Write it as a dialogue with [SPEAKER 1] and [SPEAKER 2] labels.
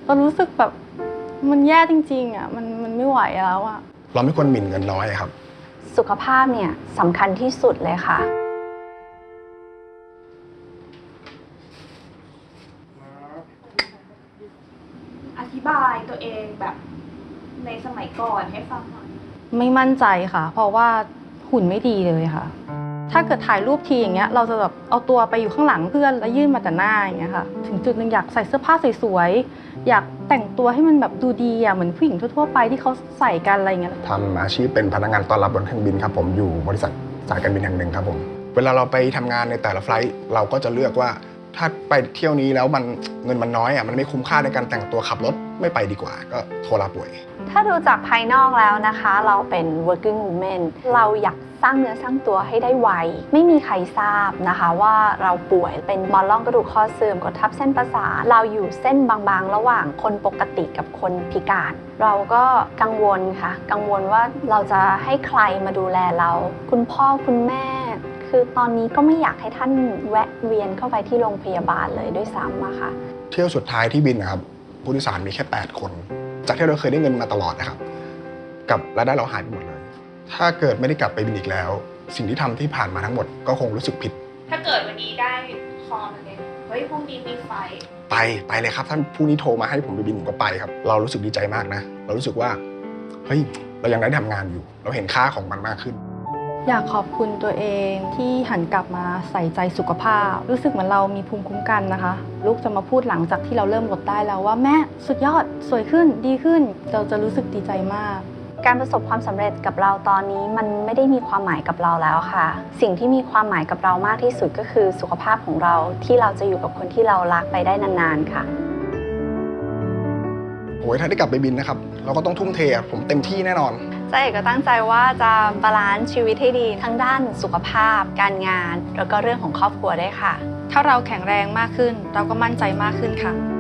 [SPEAKER 1] เรารู้สึกแบบมันแย่จริงๆอ่ะมันไม่ไหวแล้วอ่ะ
[SPEAKER 2] เราไม่ควรหมิ่นเงินน้อยครับ
[SPEAKER 3] สุขภาพเนี่ยสำคัญที่สุดเลยค่ะ
[SPEAKER 4] อธิบายตัวเองแบบในสมัยก่อนให้ฟังหน่อย
[SPEAKER 1] ไม่มั่นใจค่ะ เพราะว่าหุ่นไม่ดีเลยค่ะถ้าเกิดถ่ายรูปทีอย่างเงี้ยเราจะแบบเอาตัวไปอยู่ข้างหลังเพื่อนแล้วยื่นมาแต่หน้าอย่างเงี้ยค่ะถึงจุดหนึ่งอยากใส่เสื้อผ้าสวยๆอยากแต่งตัวให้มันแบบดูดีอ่ะเหมือนผู้หญิงทั่วๆไปที่เขาใส่กันอะไรเงี้ย
[SPEAKER 2] ทำอาชีพเป็นพนักงานต้อนรับบนเครื่องบินครับผมอยู่บริษัทสายการบินแห่งหนึ่งครับผมเวลาเราไปทำงานในแต่ละไฟลท์เราก็จะเลือกว่าถ้าไปเที่ยวนี้แล้วเงินมันน้อยอ่ะมันไม่คุ้มค่าในการแต่งตัวขับรถไม่ไปดีกว่าก็โทรลาป่วย
[SPEAKER 3] ถ้าดูจากภายนอกแล้วนะคะเราเป็น working woman เราอยากสร้างเนื้อสร้างตัวให้ได้ไวไม่มีใครทราบนะคะว่าเราป่วยเป็นหมอนรองกระดูกคอเสื่อมกดทับเส้นประสาทเราอยู่เส้นบางๆระหว่างคนปกติกับคนพิการเราก็กังวลค่ะกังวลว่าเราจะให้ใครมาดูแลเราคุณพ่อคุณแม่คือตอนนี้ก็ไม่อยากให้ท่านแวะเวียนเข้าไปที่โรงพยาบาลเลยด้วยซ้ำอะค่ะ
[SPEAKER 2] เที่ยวสุดท้ายที่บินนะครับผู้โดยสารมีแค่8คนจากที่เราเคยได้เงินมาตลอดนะครับกับรายได้เราหายไปหมดเลยถ้าเกิดไม่ได้กลับไปบินอีกแล้วสิ่งที่ทำที่ผ่านมาทั้งหมดก็คงรู้สึกผิด
[SPEAKER 4] ถ้าเกิดวันนี้ได้คอมาเลยเฮ้ยพรุ่งนี้มีไฟ
[SPEAKER 2] ไปเลยครับท่านผู้นี้โทรมาให้ผมไปบินผมก็ไปครับเรารู้สึกดีใจมากนะเรารู้สึกว่าเฮ้ยเรายังได้ทำงานอยู่เราเห็นค่าของมันมากขึ้น
[SPEAKER 1] อยากขอบคุณตัวเองที่หันกลับมาใส่ใจสุขภาพรู้สึกเหมือนเรามีภูมิคุ้มกันนะคะลูกจะมาพูดหลังจากที่เราเริ่มลดได้แล้วว่าแม่สุดยอดสวยขึ้นดีขึ้นเราจะรู้สึกดีใจมาก
[SPEAKER 3] การประสบความสำเร็จกับเราตอนนี้มันไม่ได้มีความหมายกับเราแล้วค่ะสิ่งที่มีความหมายกับเรามากที่สุดก็คือสุขภาพของเราที่เราจะอยู่กับคนที่เรารักไปได้นานๆค่ะ
[SPEAKER 2] โอ้ยถ้าได้กลับไปบินนะครับเราก็ต้องทุ่มเทผมเต็มที่แน่นอน
[SPEAKER 3] เจ๊ก็ตั้งใจว่าจะบาลานซ์ชีวิตให้ดีทั้งด้านสุขภาพการงานแล้วก็เรื่องของครอบครัวด้วยค่ะ
[SPEAKER 1] ถ้าเราแข็งแรงมากขึ้นเราก็มั่นใจมากขึ้นค่ะ